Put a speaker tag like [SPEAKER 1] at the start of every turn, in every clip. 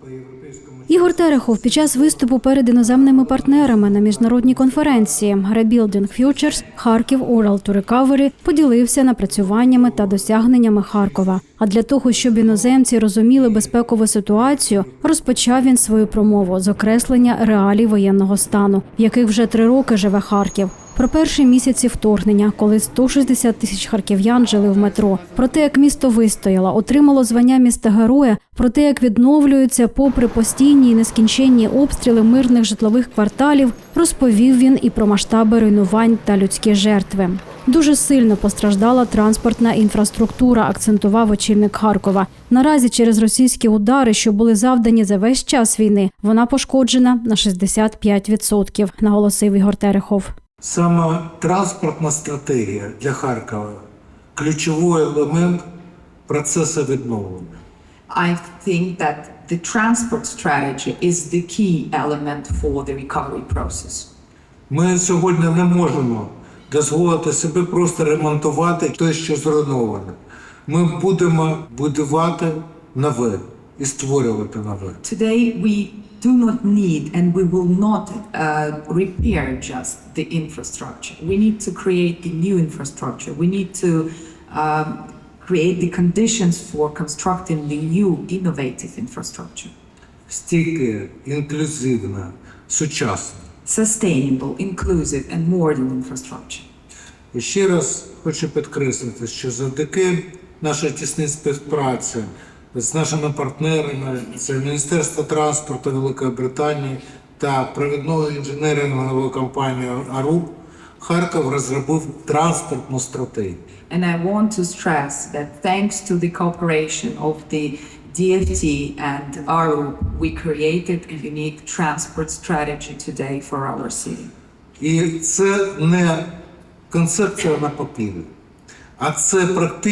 [SPEAKER 1] Ігор Терехов під час виступу перед іноземними партнерами на міжнародній конференції «Rebuilding Futures. Харків Oral to Recovery» поділився напрацюваннями та досягненнями Харкова. А для того, щоб іноземці розуміли безпекову ситуацію, розпочав він свою промову з окреслення реалій воєнного стану, в яких вже 3 роки живе Харків. Про перші місяці вторгнення, коли 160 тисяч харків'ян жили в метро. Про те, як місто вистояло, отримало звання міста-героя. Про те, як відновлюються попри постійні і нескінченні обстріли мирних житлових кварталів, розповів він і про масштаби руйнувань та людські жертви. Дуже сильно постраждала транспортна інфраструктура, акцентував очільник Харкова. Наразі через російські удари, що були завдані за весь час війни, вона пошкоджена на 65%, наголосив Ігор Терехов.
[SPEAKER 2] Саме транспортна стратегія для Харкова – ключовий елемент процесу відновлення.
[SPEAKER 3] I think that the transport strategy is the key element for the recovery process.
[SPEAKER 2] Ми сьогодні не можемо дозволити собі просто ремонтувати те, що зруйноване. Ми будемо будувати нове і створювати нове.
[SPEAKER 3] Today we do not need and we will not repair just the infrastructure. We need to create the new infrastructure. We need to create the conditions for constructing the new innovative infrastructure.
[SPEAKER 2] Стійке, інклюзивне, сучасне.
[SPEAKER 3] Sustainable, inclusive and modern infrastructure.
[SPEAKER 2] І ще раз хочу підкреслити, що завдяки нашій тісній співпраці з нашими партнерами, це Міністерство транспорту Великої Британії та провідною інженеринговою компанією АРУБ, Харків розробив транспортну стратегію.
[SPEAKER 3] And I want to stress that thanks to the cooperation of the DFT and ARU, we created a unique transport strategy today for our city.
[SPEAKER 2] І це не концепція на папері, а це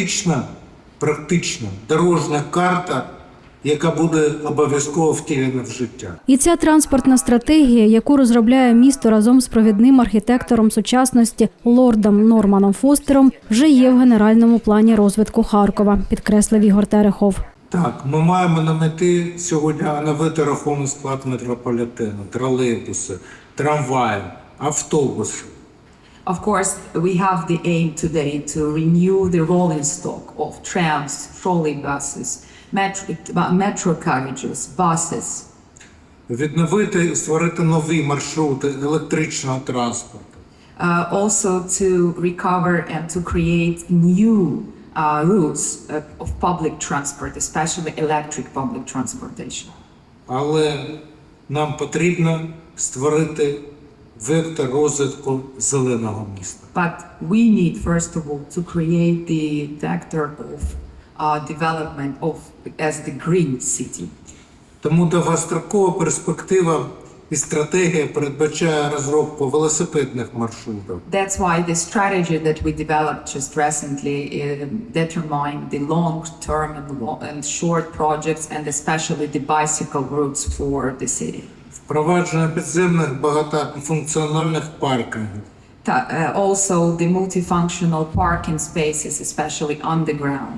[SPEAKER 2] практична дорожня карта, яка буде обов'язково втілена в життя.
[SPEAKER 1] І ця транспортна стратегія, яку розробляє місто разом з провідним архітектором сучасності лордом Норманом Фостером, вже є в генеральному плані розвитку Харкова, підкреслив Ігор Терехов.
[SPEAKER 2] Так, ми маємо на меті сьогодні оновити рахунок склад метрополітену, тролейбуси, трамваї, автобуси.
[SPEAKER 3] Of course, we have the aim today to renew the rolling stock of trams, trolley buses, metro carriages, buses.
[SPEAKER 2] Відновити і створити нові маршрути електричного транспорту.
[SPEAKER 3] Also to recover and to create new routes of public transport, especially electric public transportation.
[SPEAKER 2] Але нам потрібно створити вектор розвитку зеленого міста.
[SPEAKER 3] But we need, first of all, to create the vector of development of as the green city.
[SPEAKER 2] Тому довгострокова перспектива і стратегія передбачає розробку велосипедних маршрутів.
[SPEAKER 3] That's why the strategy that we developed just recently determined the long-term and short projects and especially the bicycle routes for the city.
[SPEAKER 2] Впровадження підземних багатофункціональних паркінгів.
[SPEAKER 3] Also the multifunctional parking spaces, especially underground.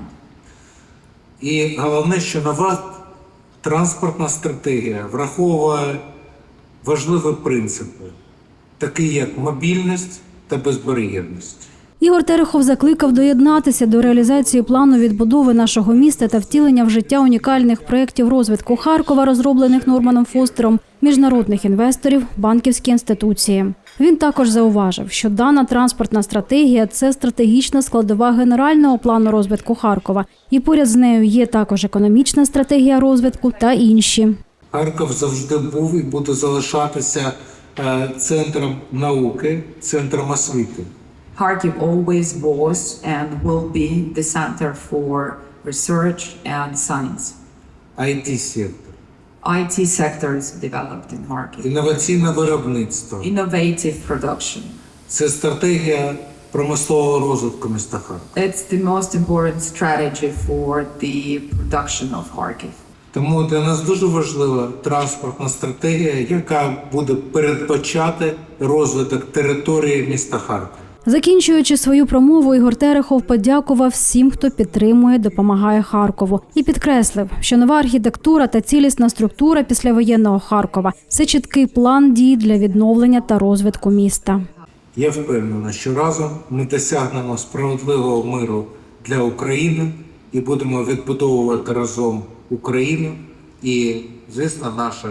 [SPEAKER 2] І головне, що нова транспортна стратегія враховує важливі принципи, такі як мобільність та безбар'єрність.
[SPEAKER 1] Ігор Терехов закликав доєднатися до реалізації плану відбудови нашого міста та втілення в життя унікальних проєктів розвитку Харкова, розроблених Норманом Фостером, міжнародних інвесторів, банківські інституції. Він також зауважив, що дана транспортна стратегія – це стратегічна складова генерального плану розвитку Харкова. І поряд з нею є також економічна стратегія розвитку та інші.
[SPEAKER 2] Харків завжди був і буде залишатися центром науки, центром освіти.
[SPEAKER 3] Kharkiv always was and will be the center for research and science.
[SPEAKER 2] IT-сектор.
[SPEAKER 3] IT sector is developed in Kharkiv.
[SPEAKER 2] Інноваційне виробництво.
[SPEAKER 3] Innovative production.
[SPEAKER 2] Це стратегія промислового розвитку міста Харків.
[SPEAKER 3] It's the most important strategy for the production of Kharkiv.
[SPEAKER 2] Тому для нас дуже важлива транспортна стратегія, яка буде передбачати розвиток території міста Харкова.
[SPEAKER 1] Закінчуючи свою промову, Ігор Терехов подякував всім, хто підтримує, допомагає Харкову, і підкреслив, що нова архітектура та цілісна структура післявоєнного Харкова – це чіткий план дій для відновлення та розвитку міста.
[SPEAKER 2] Я впевнений, що разом ми досягнемо справедливого миру для України і будемо відбудовувати разом Україну і, звісно, наше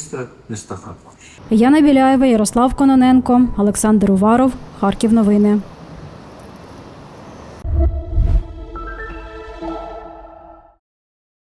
[SPEAKER 2] місто Харків.
[SPEAKER 1] Яна Біляєва, Ярослав Кононенко, Олександр Уваров, Харків новини.